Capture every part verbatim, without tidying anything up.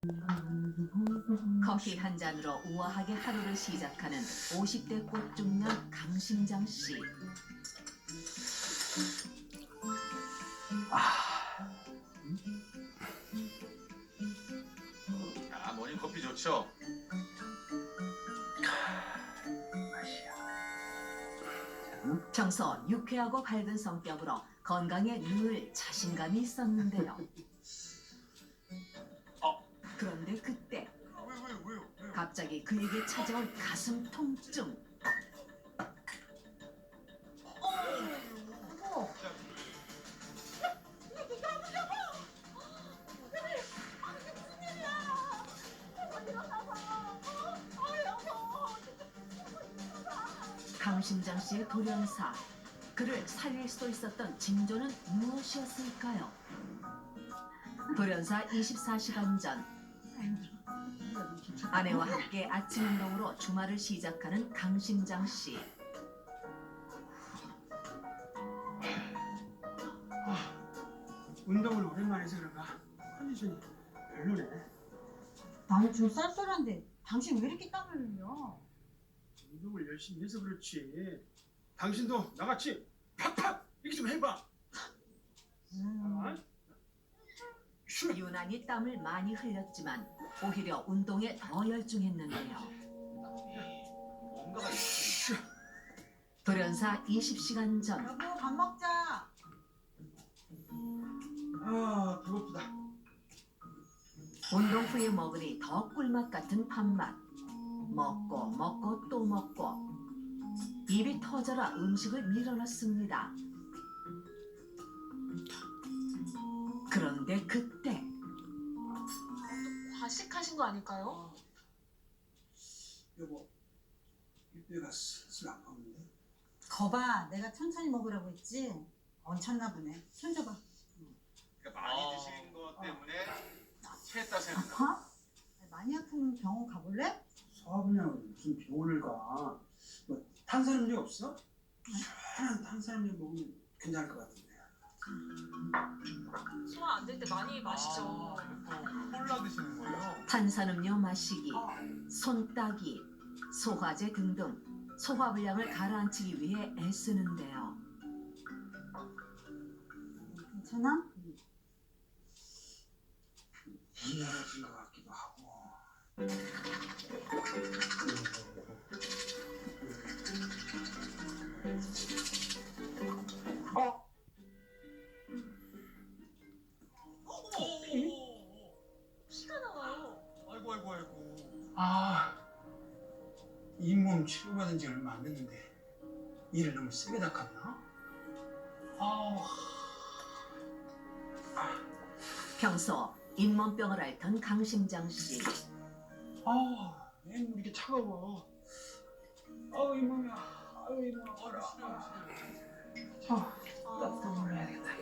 커피 한 잔으로 우아하게 하루를 시작하는 오십 대 꽃중년 강심장 씨. 아, 모닝 커피 좋죠? 평소 유쾌하고 밝은 성격으로 건강에 늘 자신감이 있었는데요. 어. 그런데 그때 왜, 왜, 왜요? 왜요? 갑자기 그에게 찾아온 가슴 통증. 강심장 씨의 돌연사. 그를 살릴 수 있었던 징조는 무엇이었을까요? 돌연사 이십사 시간 전 아내와 함께 아침 운동으로 주말을 시작하는 강심장 씨. 운동을 오랜만에 해서 그런가 컨디션이 별로네. 나는 좀 쌀쌀한데 당신 왜 이렇게 땀을 흘려? 운동을 열심히 해서 그렇지. 당신도 나같이 팍팍 이렇게 좀 해봐. 음, 아? 슈. 유난히 땀을 많이 흘렸지만 오히려 운동에 더 열중했는데요. 뭔가가 있지. 슈. 돌연사 이십 시간 전 여보 밥 먹자. 아 배고프다. 운동 후에 먹으니 더 꿀맛 같은 밥맛. 먹고 먹고 또 먹고 입이 터져라 음식을 밀어넣습니다. 그런데 그때 과식하신 거 아닐까요? 여보 이때가 슬슬 안 나오는데. 거봐, 내가 천천히 먹으라고 했지. 얹혔나 보네. 손 줘봐. 그러니까 많이 아. 드시는 것 때문에 체했다 생각. 아파? 많이 아프면 병원 가볼래? 사업이냐고 무슨 병원을 가. 뭐 탄산음료 없어? 시원한 탄산음료 먹으면 괜찮을 것 같은데. 소화 안 될 때 많이 마시죠. 또 콜라 드시는 거예요? 탄산음료 마시기, 손따기, 소화제 등등 소화불량을 가라앉히기 위해 애쓰는데요. 괜찮아? 미안해진 것 같기도 하고. 어? 피가 나와요. 아이고, 아이고, 아이고. 아, 잇몸 치료받은 지 얼마 안 됐는데 일을 너무 세게 닦았나? 아, 평소 잇몸병을 앓던 강심장 씨. 아, 잇몸 이렇게 차가워. 아우 잇몸이야. 아유 잇몸 아파라. 아, 따뜻한 물로 해야겠다.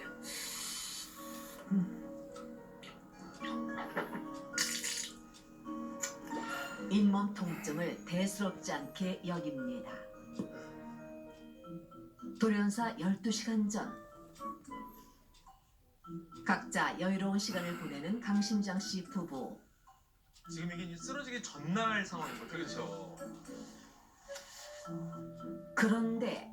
잇몸 통증을 대수롭지 않게 여깁니다. 돌연사 열두 시간 전 각자 여유로운 시간을 보내는 강심장 씨 부부. 지금 이게 이제 쓰러지기 전날 상황인 거죠. 그렇죠. 그런데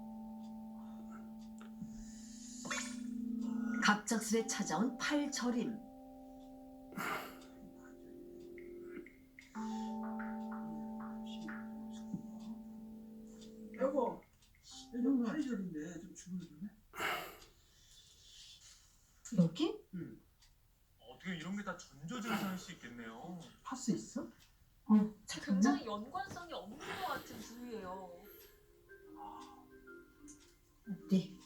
갑작스레 찾아온 팔저림. 여보, 요즘 팔이 저린데 좀 주물러 줄래? 여기? 응. 어떻게 이런 게 다 전조 증상일 수 있겠네요. 파스 있어? 어, 잠깐만. 굉장히 연관성이 없는 것 같은 부위예요. 네.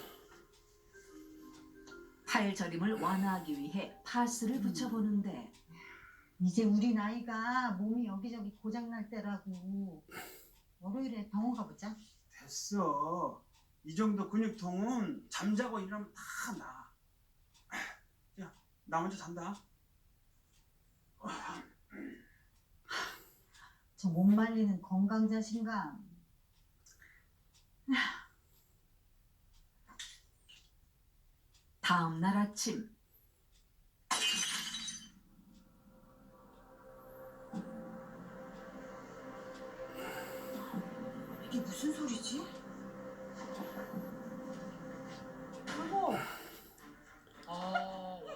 팔저림을 완화하기 위해 파스를 붙여보는데 이제 우리 나이가 몸이 여기저기 고장날 때라고. 월요일에 병원 가보자. 됐어. 이 정도 근육통은 잠자고 일어나면 다 나. 야, 나 먼저 잔다. 저 못 말리는 건강 자신감. 다음 날 아침 무슨 소리지? 어머. 아,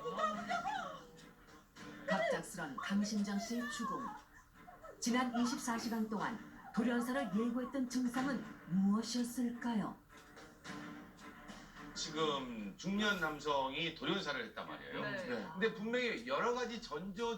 갑작스런 강신장 씨의 죽음. 지난 이십사 시간 동안 돌연사를 예고했던 증상은 무엇이었을까요? 지금 중년 남성이 돌연사를 했단 말이에요. 네. 근데 분명히 여러 가지 전조